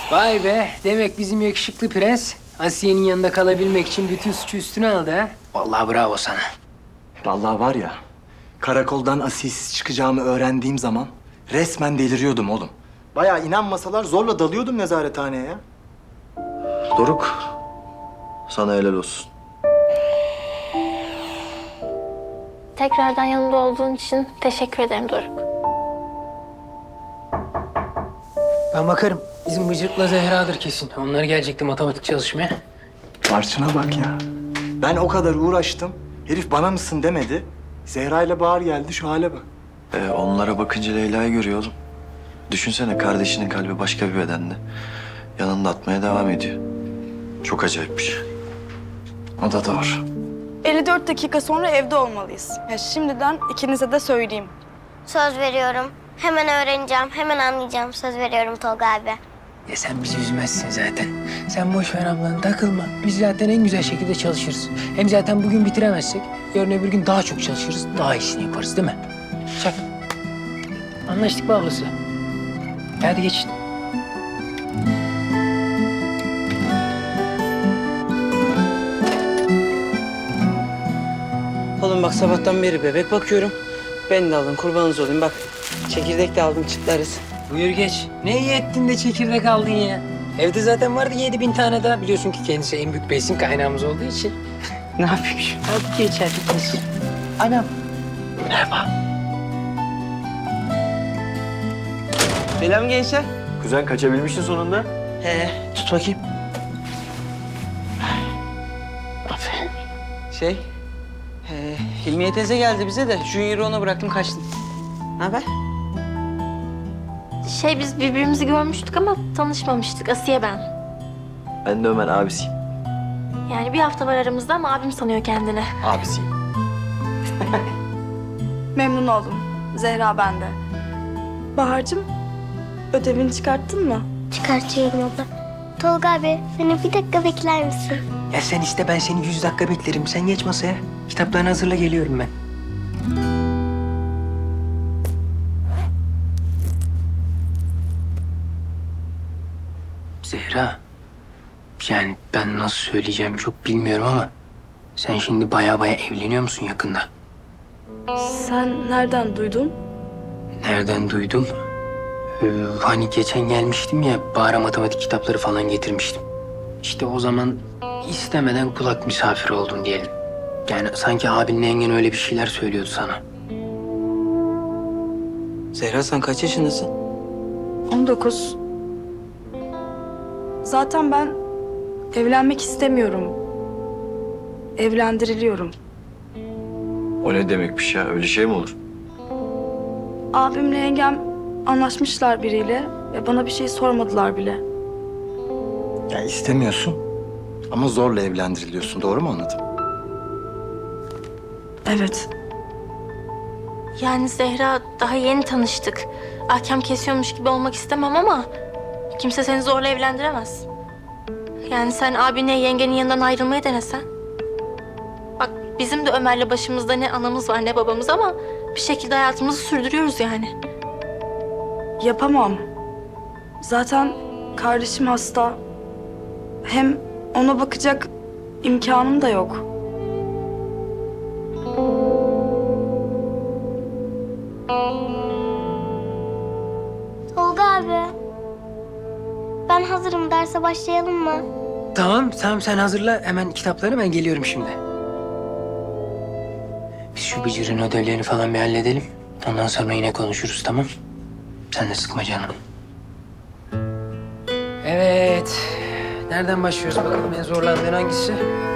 Vay be, demek bizim yakışıklı prens Asiye'nin yanında kalabilmek için bütün suçu üstüne aldı ha. Vallahi bravo sana. Vallahi var ya, karakoldan asilsiz çıkacağımı öğrendiğim zaman resmen deliriyordum oğlum. Bayağı inanmasalar zorla dalıyordum nezarethaneye ya. Doruk, sana helal olsun. Tekrardan yanımda olduğun için teşekkür ederim Doruk. Ben bakarım. Bizim Bıcır'la Zehra'dır kesin. Onlar gelecekti matematik çalışmaya. Barçın'a bak ya. Ben o kadar uğraştım. Herif bana mısın demedi. Zehra ile Bahar geldi, şu hale bak. Onlara bakınca Leyla'yı görüyor oğlum. Düşünsene, kardeşinin kalbi başka bir bedende. Yanında atmaya devam ediyor. Çok acayip bir şey. O da doğru. 54 dakika sonra evde olmalıyız. Ya şimdiden ikinize de söyleyeyim. Söz veriyorum. Hemen öğreneceğim, hemen anlayacağım. Söz veriyorum Tolga abi. Ya sen bizi üzmezsin zaten. Sen boş ver ablanı, takılma. Biz zaten en güzel şekilde çalışırız. Hem zaten bugün bitiremezsek yarın öbür gün daha çok çalışırız. Daha iyisini yaparız değil mi? Çak. Anlaştık mı ablası? Hadi geçin. Oğlum bak sabahtan beri bebek bakıyorum. Ben de aldım, kurbanınız olayım bak. Çekirdek de aldım, çıtlarız. Buyur geç. Ne iyi ettin de çekirdek aldın ya. Evde zaten vardı 7.000 tane daha. Biliyorsun ki kendisi en büyük besin kaynağımız olduğu için. Ne yapayım şimdi? Hadi geç hadi geç. Anam. Merhaba. Selam gençler. Kuzen, kaçabilmişsin sonunda. Tut bakayım. Aferin. Hilmiye teyze geldi bize de Junior'ı ona bıraktım kaçtım. Ne haber? Biz birbirimizi görmüştük ama tanışmamıştık. Asiye ben. Ben de Ömer, abisiyim. Yani bir hafta var aramızda ama abim sanıyor kendini. Abisiyim. Memnun oldum. Zehra bende. Bahar'cığım, ödevini çıkarttın mı? Çıkartıyorum abla. Tolga abi, beni bir dakika bekler misin? Ya sen iste ben seni 100 dakika beklerim. Sen geç masaya. Kitaplarını hazırla geliyorum ben. Zehra. Yani ben nasıl söyleyeceğim çok bilmiyorum ama sen şimdi baya evleniyor musun yakında? Sen nereden duydun? Nereden duydum? Hani geçen gelmiştim ya, Bahar'a matematik kitapları falan getirmiştim. İşte o zaman istemeden kulak misafiri oldun diyelim. Yani sanki abinle yengen öyle bir şeyler söylüyordu sana. Zehra sen kaç yaşındasın? 19. Zaten ben evlenmek istemiyorum. Evlendiriliyorum. O ne demekmiş ya? Öyle şey mi olur? Abimle yengem anlaşmışlar biriyle ve bana bir şey sormadılar bile. Ya istemiyorsun ama zorla evlendiriliyorsun. Doğru mu anladım? Evet. Yani Zehra daha yeni tanıştık. Ahkam kesiyormuş gibi olmak istemem ama kimse seni zorla evlendiremez. Yani sen abinle yengenin yanından ayrılmayı denesen. Bak bizim de Ömer'le başımızda ne anamız var ne babamız ama bir şekilde hayatımızı sürdürüyoruz yani. Yapamam. Zaten kardeşim hasta. Hem ona bakacak imkanım da yok. Tolga abi. Ben hazırım. Derse başlayalım mı? Tamam sen hazırla hemen kitapları, ben geliyorum şimdi. Biz şu Bıcır'ın ödevlerini falan bir halledelim. Ondan sonra yine konuşuruz, tamam? Sen de sıkma canım. Evet. Nereden başlıyoruz bakalım, en zorlandığın hangisi?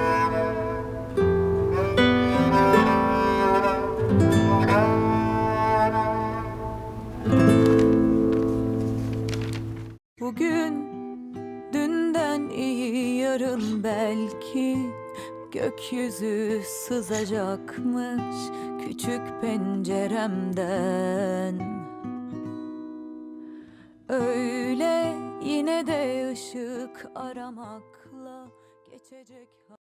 Bugün dünden iyi yarın belki gökyüzü sızacakmış küçük penceremden. Öyle yine de ışık aramakla geçecek.